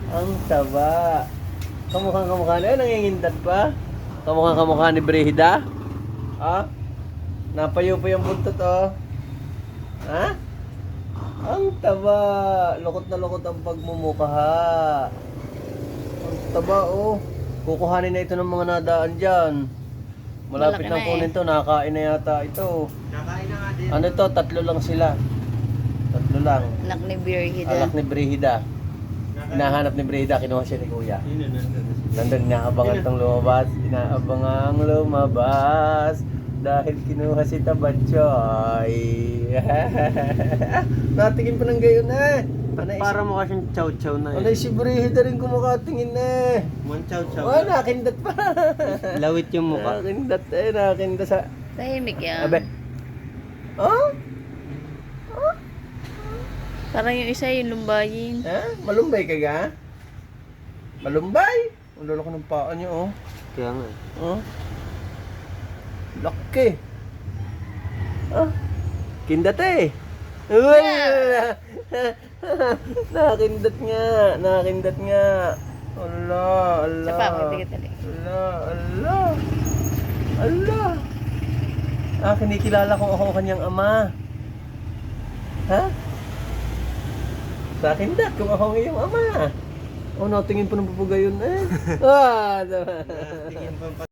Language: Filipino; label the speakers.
Speaker 1: Ang taba. Kamukha na. Nangingindat pa. Kamukha ni Brehida. Ah? Napayo pa yung buntot, oh. Ha? Ang taba. Lukot na lukot ang pagmumukha. Ang taba, oh. Kukuhanin na ito ng mga nadaan dyan. Malapit
Speaker 2: Malaki
Speaker 1: na
Speaker 2: na
Speaker 1: kunin to. Nakakain na yata ito.
Speaker 3: Nakain na nga din.
Speaker 1: Ano to? 3 lang sila. 3 lang.
Speaker 2: Anak ni Birhida.
Speaker 1: Alak ni Brehida. Hinahanap ni Brehida. Kinuha siya ni Kuya. Nandun, inaabangan tong lumabas. Inaabangang lumabas. Dahil kinuha si Tabatchoy. Natingin pa ng gayon eh.
Speaker 3: Para mukha siyang chow-chow na
Speaker 1: Anay si Brehida rin kumakatingin eh.
Speaker 3: One chow-chow.
Speaker 1: Oh, nakindat pa.
Speaker 3: Lawit yung mukha.
Speaker 1: Nakindat eh. Nakindat sa...
Speaker 2: Tahimik yan.
Speaker 1: Abe. Oh?
Speaker 2: Parang yung isa yung lumbayin.
Speaker 1: Ha? Malumbay ka ga? Malumbay? Ang lolo ko ng paa niyo, oh.
Speaker 3: Kaya nga.
Speaker 1: Oh. Laki. Ah. Kindat eh. Wala. Nakindat nga. Nakindat nga. Allah, Allah.
Speaker 2: Sa pa, magtigat-tigat.
Speaker 1: Allah, Allah. Allah. Ah, kinikilala ko ako ang kanyang ama. Ha? Sa akin dat, kung ako ang iyong ama. Oh, natingin pa ng papugayon eh. Ah,
Speaker 3: Tingin pa